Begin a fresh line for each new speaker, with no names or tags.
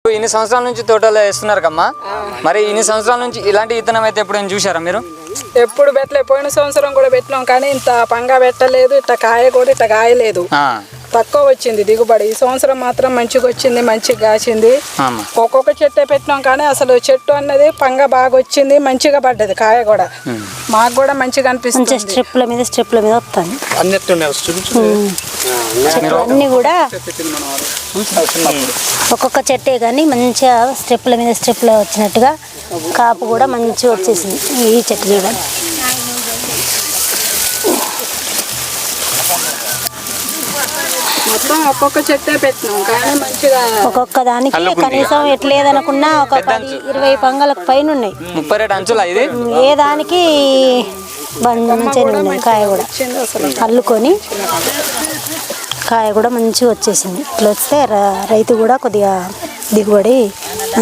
ఇన్ని సంవత్సరాల నుంచి తోటలో వేస్తున్నారు కమ్మా, మరి ఇన్ని సంవత్సరాల నుంచి ఇలాంటి విత్తనం అయితే ఎప్పుడైనా చూసారా మీరు?
ఎప్పుడు పెట్టలే. పోయిన సంవత్సరం కూడా పెట్టినాం కానీ ఇంత పంగా పెట్టలేదు, ఇట్లా కాయ కూడా ఇట్లా కాయలేదు, తక్కువ వచ్చింది దిగుబడి. ఈ సంవత్సరం మాత్రం మంచిగా వచ్చింది, మంచిగా కాసింది. ఒక్కొక్క చెట్టే పెట్టినాం కానీ అసలు చెట్టు అన్నది పంగ బాగా వచ్చింది, మంచిగా పడ్డది కాయ కూడా. మాకు కూడా మంచిగా అనిపిస్తుంది.
స్ట్రిప్ల మీద వస్తాను అన్ని కూడా ఒక్కొక్క చెట్టే కానీ మంచిగా స్టెప్ల మీద వచ్చినట్టుగా కాపు కూడా మంచిగా వచ్చేసింది. ఈ చెట్టు చూడండి.
మొత్తం ఒక్కొక్క చెట్టే పెట్టినాం కానీ మంచిగా
ఒక్కొక్క దానికి కనీసం ఎట్లేదనుకున్నా ఒక 10-20 పంగలకు పైన ఉన్నాయి.
30 అంచులా ఇది?
ఏ దానికి మంచిగా ఉన్నాయి. కాయ కూడా అల్లుకొని కాయ కూడా మంచిగా వచ్చేసింది. ఇట్లా వస్తే రైతు కూడా కొద్దిగా దిగుబడి